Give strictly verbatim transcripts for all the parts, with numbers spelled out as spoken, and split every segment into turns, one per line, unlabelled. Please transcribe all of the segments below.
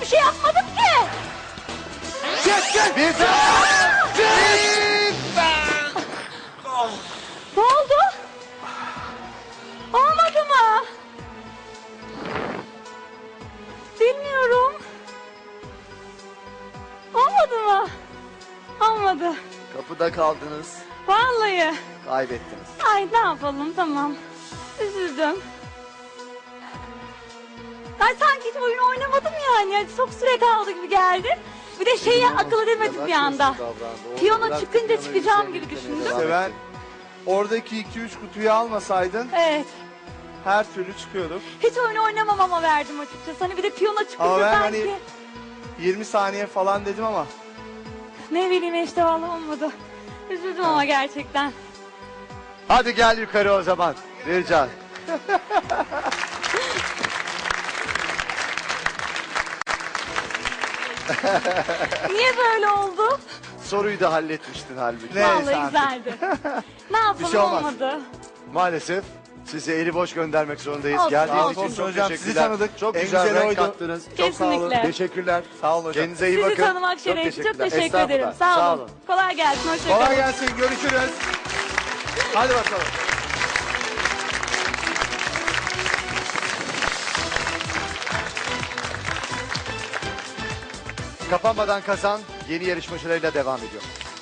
şey yapmadım ki.
Çık çık. Bir çık.
Ne oldu? Olmadı mı? Bilmiyorum. Olmadı mı? Olmadı.
Kapıda kaldınız.
Vallahi.
Kaybettiniz.
Ay ne yapalım, tamam. Üzüldüm. Ben sanki hiç oyun oynamadım yani. Yani çok süre kaldı gibi geldi. Bir de şeyi akıl edemedim bir anda. Piyano çıkınca çıkacağım gibi düşündüm.
Seven, oradaki iki üç kutuyu almasaydın
Evet.
her türlü çıkıyorduk.
Hiç oyun oynamam ama verdim açıkçası. Hani bir de piyano çıkınca
Ama ben
sanki.
hani yirmi saniye falan dedim ama
Ne bileyim işte vallahi olmadı. Üzüldüm ama gerçekten.
Hadi gel yukarı o zaman. Bircan.
Niye böyle oldu?
Soruyu da halletmiştin halbuki.
Ne? Neyse
Vallahi
artık.
güzeldi. Ne yapalım,
şey olmaz.
olmadı.
Maalesef sizi eli boş göndermek zorundayız.
Olsun,
Geldiğiniz
olsun.
için
Olsun
çok
hocam, sizi
teşekkürler.
tanıdık.
Çok
En
güzel
güzeli
renk
oydu.
kattınız.
Çok sağ olun.
Kesinlikle.
Teşekkürler.
Sağ olun hocam.
Kendinize iyi
Sizi
bakın.
tanımak şeref. Çok
teşekkürler.
teşekkür
Estağfurullah.
ederim. Sağ olun.
Sağ olun.
Kolay gelsin. Hoşçakalın.
Kolay gelsin, görüşürüz. Hadi bakalım.
Kapanmadan kazan yeni yarışmacılarıyla devam ediyor.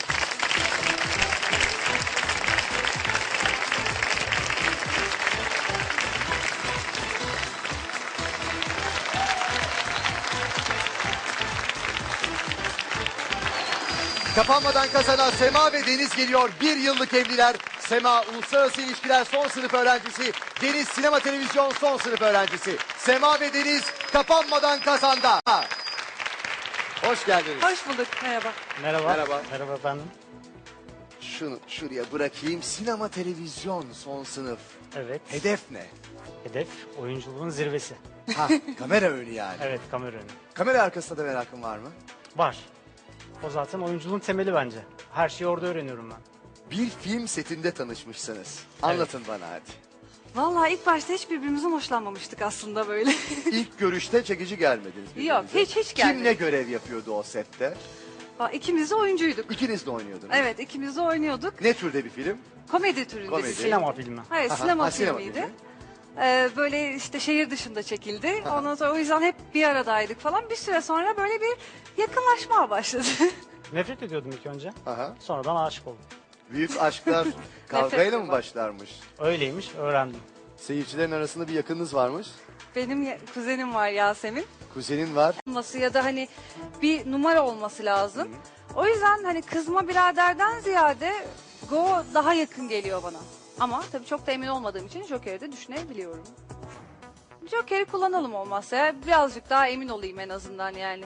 Kapanmadan kazanan Sema ve Deniz geliyor. Bir yıllık evliler. Sema Uluslararası İlişkiler son sınıf öğrencisi. Deniz Sinema Televizyon son sınıf öğrencisi. Sema ve Deniz kapanmadan kazanda. Hoş geldiniz.
Hoş bulduk. Merhaba.
Merhaba.
Merhaba.
Merhaba efendim.
Şunu şuraya bırakayım. Sinema Televizyon son sınıf.
Evet.
Hedef ne?
Hedef oyunculuğun zirvesi.
Ha, kamera önü yani.
Evet, kamera önü.
Kamera arkasında da merakın var mı?
Var. O zaten oyunculuğun temeli bence. Her şeyi orada öğreniyorum ben.
Bir film setinde tanışmışsınız. Anlatın bana hadi.
Vallahi ilk başta hiç birbirimizden hoşlanmamıştık aslında böyle.
İlk görüşte çekici gelmediniz birbirinize.
Yok, hiç- hiç
Kim ne
gelmedik.
görev yapıyordu o sette?
Aa, İkimiz de oyuncuyduk.
İkiniz de oynuyordunuz.
Evet, ikimiz de oynuyorduk.
Ne türde bir film?
Komedi türünde
Komedi.
bir film.
Sinema filmi.
Hayır,
Aha,
sinema
ha, sinema
filmiydi.
filmi.
Ee, böyle işte şehir dışında çekildi. Ondan sonra o yüzden hep bir aradaydık falan. Bir süre sonra böyle bir yakınlaşma başladı.
Nefret ediyordum ilk önce.
Aha.
Sonradan aşık oldum.
Büyük aşklar kavgayla mı
ediyorum.
başlarmış?
Öyleymiş, öğrendim.
Seyircilerin arasında bir yakınınız varmış.
Benim ya- kuzenim var Yasemin.
Kuzenin var.
Olması ya da hani bir numara olması lazım. O yüzden hani kızma biraderden ziyade Go daha yakın geliyor bana. Ama tabii çok da emin olmadığım için Joker'i de düşünebiliyorum. Joker'i kullanalım olmazsa ya. Birazcık daha emin olayım en azından yani.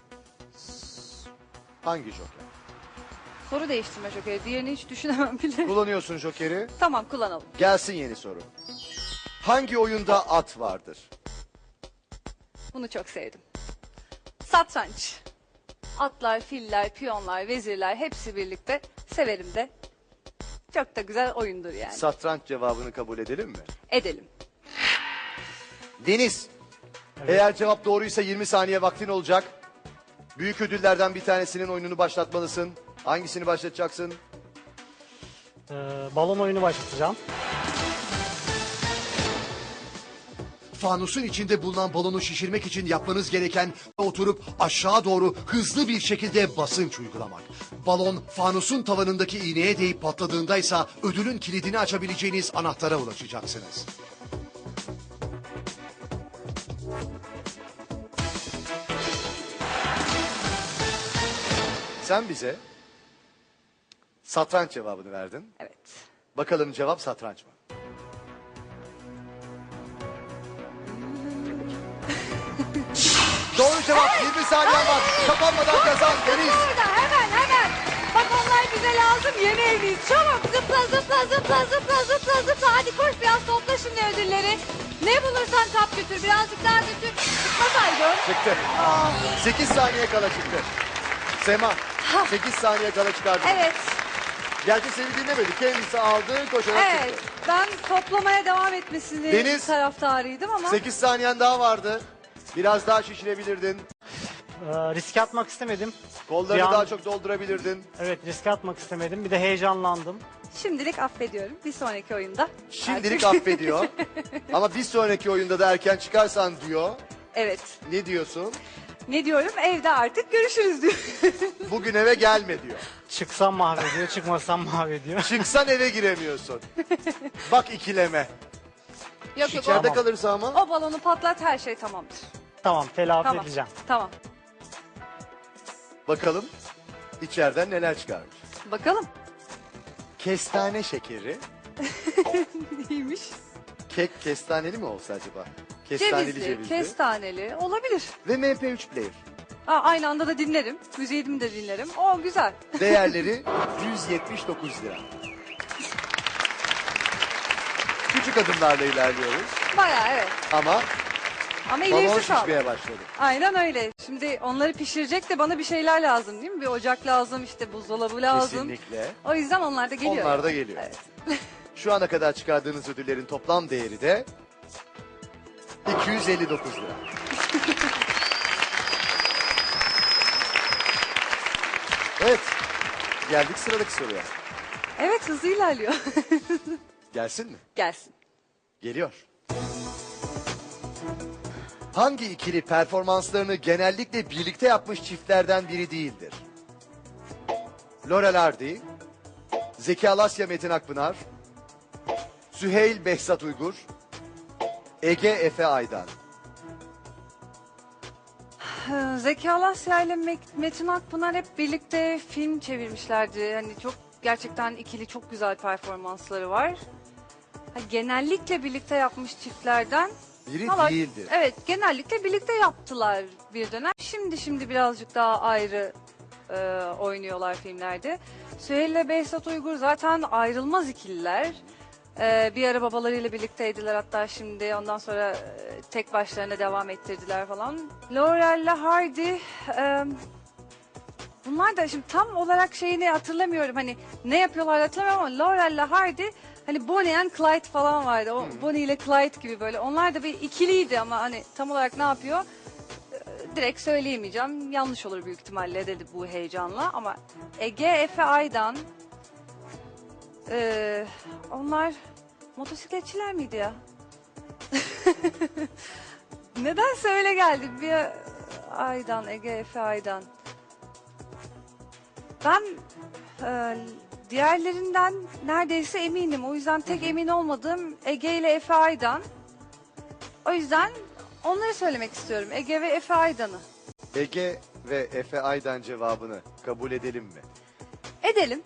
Hangi Joker?
Soru değiştirme Joker'i. Diğerini hiç düşünemem bile.
Kullanıyorsun Joker'i.
Tamam, kullanalım.
Gelsin yeni soru. Hangi oyunda at vardır?
Bunu çok sevdim. Satranç. Atlar, filler, piyonlar, vezirler hepsi birlikte severim de. Çok da güzel oyundur yani.
Satranç cevabını kabul edelim mi?
Edelim.
Deniz. Eğer cevap doğruysa yirmi saniye vaktin olacak. Büyük ödüllerden bir tanesinin oyununu başlatmalısın. Hangisini başlatacaksın?
Ee, balon oyunu başlatacağım.
Fanusun içinde bulunan balonu şişirmek için yapmanız gereken oturup aşağı doğru hızlı bir şekilde basınç uygulamak. Balon fanusun tavanındaki iğneye değip patladığında ise ödülün kilidini açabileceğiniz anahtara ulaşacaksınız.
Sen bize satranç cevabını verdin.
Evet.
Bakalım cevap satranç mı? Doğru cevap. yirmi saniyen var. Kapanmadan kazan Deniz.
Burada hemen hemen. Bak onlar bize lazım, yeni evliyiz. Çabuk zıpla zıpla zıpla zıpla zıpla zıpla. Hadi koş biraz topla şimdi ödülleri. Ne bulursan kap götür, birazcık daha götür. Çıkmasaydın.
Çıktı. sekiz saniye kala çıktı. Sema sekiz saniye kala çıkardı.
Evet,
Gerçi seni dinlemedi. Kendisi aldı koşarak
evet.
çıktı.
Ben toplamaya devam etmesini
Deniz.
taraftarıydım ama.
sekiz saniyen daha vardı. Biraz daha şişirebilirdin.
Ee, riske atmak istemedim.
Kollarını
Bir an-
daha çok doldurabilirdin.
Evet, riske atmak istemedim. Bir de heyecanlandım.
Şimdilik affediyorum. Bir sonraki oyunda.
Şimdilik affediyor. Ama bir sonraki oyunda da erken çıkarsan diyor.
Evet.
Ne diyorsun?
Ne diyorum? Evde artık görüşürüz diyor.
Bugün eve gelme diyor.
Çıksam mahvediyor, çıkmasam mahvediyor.
Çıksan eve giremiyorsun. Bak ikileme.
yok yok.
İçeride
O,
kalırsa ama.
o balonu patlat, her şey tamamdır.
Tamam, telafi
Tamam.
edeceğim.
Tamam.
Bakalım içeriden neler çıkarmış.
Bakalım.
Kestane şekeri.
Neymiş?
Kek kestaneli mi olsa acaba? Kestaneli
Cevizli,
cevizli.
kestaneli olabilir.
Ve M P üç player.
Aa, aynı anda da dinlerim. Müziğimi de dinlerim. O güzel.
Değerleri yüz yetmiş dokuz lira. Küçük adımlarla ilerliyoruz
Bayağı evet.
ama
Ama
balon
ilerisi sağlam.
şişmeye başladı.
Aynen öyle. Şimdi onları pişirecek de bana bir şeyler lazım değil mi? Bir ocak lazım, işte buzdolabı lazım.
Kesinlikle.
O yüzden onlar da geliyor.
Onlar da geliyor.
Evet.
Şu ana kadar çıkardığınız ödüllerin toplam değeri de iki yüz elli dokuz lira. Evet. Geldik sıradaki soruya.
Evet, hızlı ilerliyor.
Gelsin mi?
Gelsin.
Geliyor. Hangi ikili performanslarını genellikle birlikte yapmış çiftlerden biri değildir? Laurel Hardy, Zeki Alasya Metin Akpınar, Süheyl Behzat Uygur, Ege Efe Aydan.
Ee, Zeki Alasya ile Mek- Metin Akpınar hep birlikte film çevirmişlerdi. Hani çok gerçekten ikili çok güzel performansları var. Ha, genellikle birlikte yapmış çiftlerden.
Biri
Valla,
değildir.
evet, genellikle birlikte yaptılar bir dönem. Şimdi şimdi birazcık daha ayrı e, oynuyorlar filmlerde. Süheyl ile Behzat Uygur zaten ayrılmaz ikililer. E, bir ara babalarıyla birlikteydiler, hatta şimdi ondan sonra e, tek başlarına devam ettirdiler falan. Laurel ile Hardy, e, bunlar da şimdi tam olarak şeyini hatırlamıyorum, hani ne yapıyorlar hatırlamıyorum ama Laurel ile Hardy, hani Bonnie and Clyde falan vardı. O Bonnie ile Clyde gibi böyle. Onlar da bir ikiliydi ama hani tam olarak ne yapıyor? Ee, direkt söyleyemeyeceğim. Yanlış olur büyük ihtimalle dedi bu heyecanla. Ama Ege Efe Aydan, ee, onlar motosikletçiler miydi ya? Nedense öyle geldi. Bir Aydan, Ege Efe Aydan. Ben e, diğerlerinden neredeyse eminim. O yüzden tek emin olmadığım Ege ile Efe Aydan. O yüzden onları söylemek istiyorum. Ege ve Efe Aydan'ı.
Ege ve Efe Aydan cevabını kabul edelim mi?
Edelim.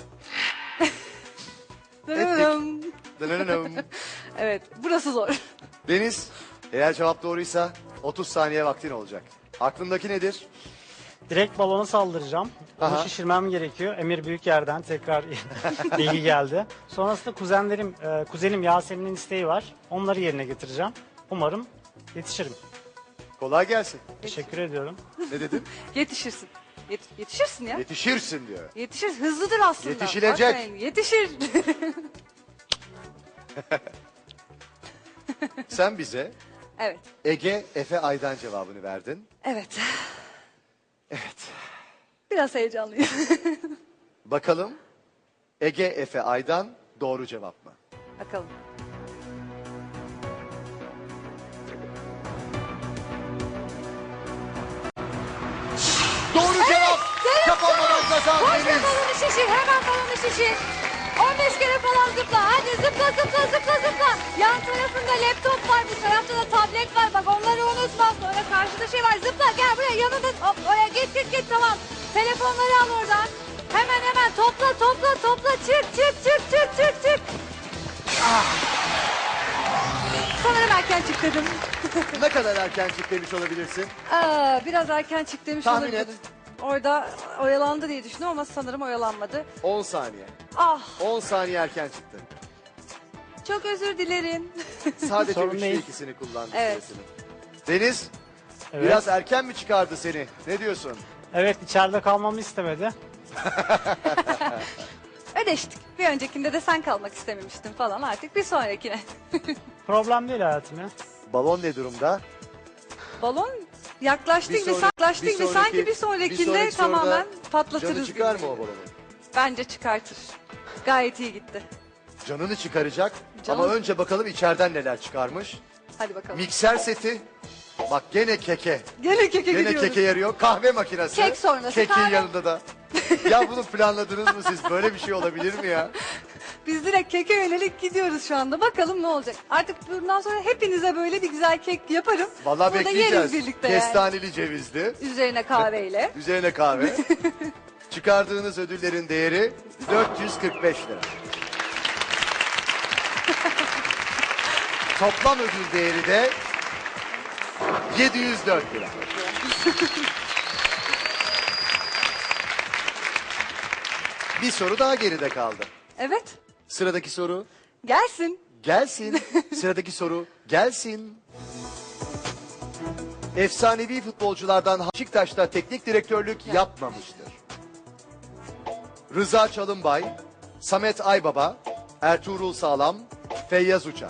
Ettik. Dınırınım.
Evet, burası zor.
Deniz, eğer cevap doğruysa otuz saniye vaktin olacak. Aklındaki nedir?
Direkt balonu saldıracağım. Onu
Aha.
şişirmem gerekiyor. Emir Büyükyer'den tekrar bilgi geldi. Sonrasında kuzenlerim, e, kuzenim Yasemin'in isteği var. Onları yerine getireceğim. Umarım yetişirim.
Kolay gelsin.
Teşekkür ediyorum.
Ne dedin?
Yetişirsin. Yet- yetişirsin ya.
Yetişirsin diyor.
Yetişir. Hızlıdır aslında.
Yetişilecek.
Bakmayın, yetişir.
Sen bize
Evet.
Ege Efe Aydan cevabını verdin.
Evet.
Evet.
Biraz heyecanlıyım.
Bakalım Ege Efe Aydan doğru cevap mı?
Bakalım.
Doğru cevap. Kapanmadan kazan
Koş
Deniz.
ve balonu şişir. Hemen balonu şişir. on beş kere falan zıpla. Hadi zıpla zıpla zıpla zıpla. Yan tarafında laptop var. Bu tarafta da tablet var. Bak onları unutma. Sonra karşıda şey var. Zıpla gel buraya yanında. Hop, oraya git git git tamam. Telefonları al oradan. Hemen hemen topla topla topla. Çık çık çık çık çık çık. Sanırım erken çık dedim.
Ne kadar erken çık demiş olabilirsin?
Aa, biraz erken çık demiş
Tahmin
olabilirim.
et.
Orada oyalandı diye düşündüm ama sanırım oyalanmadı.
on saniye.
Ah,
on saniye erken çıktı.
çok özür dilerim.
Sadece
Sorun
üçte
değil.
ikisini kullandı
Evet.
süresini. Deniz
Evet.
biraz erken mi çıkardı seni? Ne diyorsun?
Evet, içeride kalmamı istemedi.
Ödeştik. Bir öncekinde de sen kalmak istememiştin falan, artık bir sonrakine.
Problem değil hayatım ya.
Balon ne durumda?
Balon Yaklaştık
Bir
bir,
sonraki-
yaklaştık
bir
bir,
sonraki-
sanki bir
bir
sonrakinde
sonraki soruda
tamamen patlatırız.
Canı çıkar
gibi.
mı o balonu?
Bence çıkartır. Gayet iyi gitti.
Canını çıkaracak
Canım.
ama önce bakalım içeriden neler çıkarmış.
Hadi bakalım.
Mikser seti. Bak gene keke.
Gene keke
Gene
gidiyoruz.
keke yarıyor. Kahve makinesi.
Kek sonrası
Kekin
kahve.
yanında da. Ya bunu planladınız mı siz? Böyle bir şey olabilir mi ya?
Biz direkt keke yönelik gidiyoruz şu anda. Bakalım ne olacak. Artık bundan sonra hepinize böyle bir güzel kek yaparım.
Vallahi
Burada
bekleyeceğiz.
yeriz birlikte yani.
Kestaneli cevizli.
Üzerine kahveyle.
Üzerine kahve. Çıkardığınız ödüllerin değeri dört yüz kırk beş lira. Toplam ödül değeri de yedi yüz dört lira. Bir soru daha geride kaldı.
Evet.
Sıradaki soru
Gelsin.
gelsin. Sıradaki soru gelsin. Efsanevi futbolculardan Beşiktaş'ta teknik direktörlük yapmamıştır. Rıza Çalınbay, Samet Aybaba, Ertuğrul Sağlam, Feyyaz Uçar.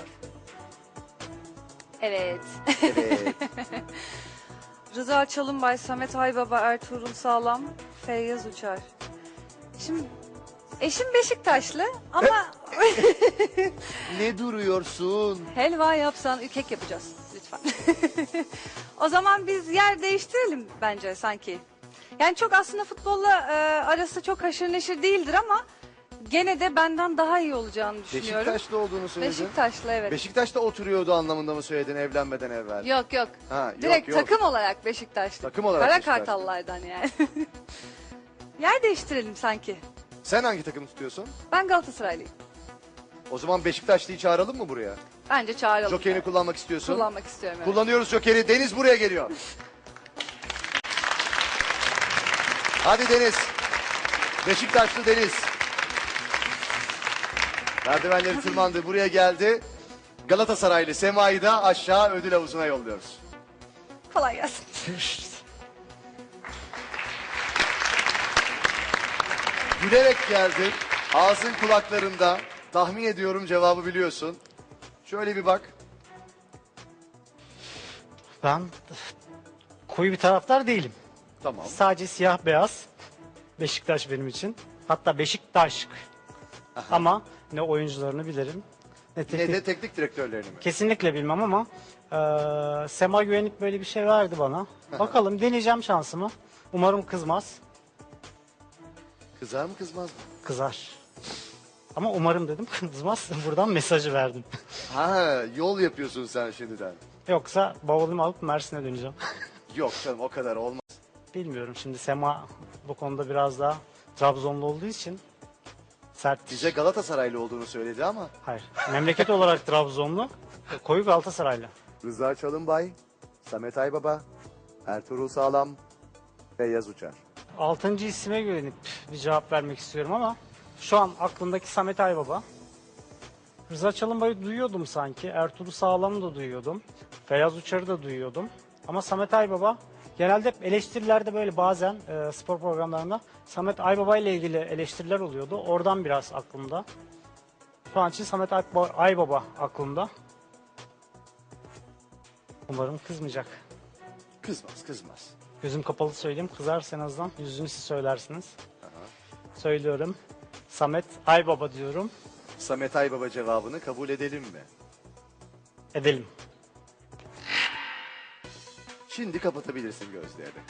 Evet.
Evet.
Rıza Çalınbay, Samet Aybaba, Ertuğrul Sağlam, Feyyaz Uçar. Şimdi eşim Beşiktaşlı ama
Ne duruyorsun?
helva yapsan kek yapacağız lütfen. O zaman biz yer değiştirelim bence sanki. Yani çok aslında futbolla e, arası çok haşır neşir değildir ama gene de benden daha iyi olacağını düşünüyorum.
Beşiktaşlı olduğunu söyledin.
Beşiktaşlı evet.
Beşiktaş'ta oturuyordu anlamında mı söyledin evlenmeden evvel?
Yok yok.
Ha, yok,
Direkt
yok.
takım olarak Beşiktaşlı.
Takım olarak
Kara
Beşiktaşlı.
Kartallardan yani. Yer değiştirelim sanki.
Sen hangi takımı tutuyorsun?
Ben Galatasaraylıyım.
O zaman Beşiktaşlı'yı çağıralım mı buraya?
Bence çağıralım.
Jokerini kullanmak istiyorsun.
Kullanmak istiyorum. Evet.
Kullanıyoruz Joker'i. Deniz buraya geliyor. Hadi Deniz. Beşiktaşlı Deniz. Merdivenleri tırmandı. Buraya geldi. Galatasaraylı Sema'yı da aşağı ödül havuzuna yolluyoruz.
Kolay gelsin.
Gülerek geldin. Ağzın kulaklarında. Tahmin ediyorum cevabı biliyorsun. Şöyle bir bak.
Ben koyu bir taraftar değilim.
Tamam.
Sadece siyah beyaz. Beşiktaş benim için. Hatta Beşiktaş. Ama ne oyuncularını bilirim. Ne
Ne
teknik.
de teknik direktörlerini mi?
Kesinlikle bilmem ama eee Sema güvenip böyle bir şey verdi bana. Bakalım deneyeceğim şansımı. Umarım kızmaz.
Kızar mı kızmaz mı?
Kızar. Ama umarım dedim kızmaz. Buradan mesajı verdim.
Ha, yol yapıyorsun sen şimdiden.
Yoksa bavulumu alıp Mersin'e döneceğim.
Yok canım o kadar olmaz.
Bilmiyorum şimdi Sema bu konuda biraz daha Trabzonlu olduğu için sert.
Bize Galatasaraylı olduğunu söyledi ama.
Hayır. Memleket olarak Trabzonlu, koyu Galatasaraylı.
Rıza Çalınbay, Samet Aybaba, Ertuğrul Sağlam, Feyyaz Uçar.
Altıncı isime güvenip bir cevap vermek istiyorum ama şu an aklımdaki Samet Aybaba. Rıza Çalınbay'ı duyuyordum sanki. Ertuğrul Sağlam'ı da duyuyordum. Feyyaz Uçar'ı da duyuyordum. Ama Samet Aybaba genelde hep eleştirilerde böyle bazen e, spor programlarında Samet Aybaba ile ilgili eleştiriler oluyordu. Oradan biraz aklımda. Şu an için Samet Aybaba, Aybaba aklımda. Umarım kızmayacak.
Kızmaz kızmaz.
Gözüm kapalı söyleyeyim. Kızarsa en azından yüzünü siz söylersiniz. Söylüyorum. Samet Aybaba diyorum.
Samet Aybaba cevabını kabul edelim mi?
Edelim.
Şimdi kapatabilirsin gözlerini.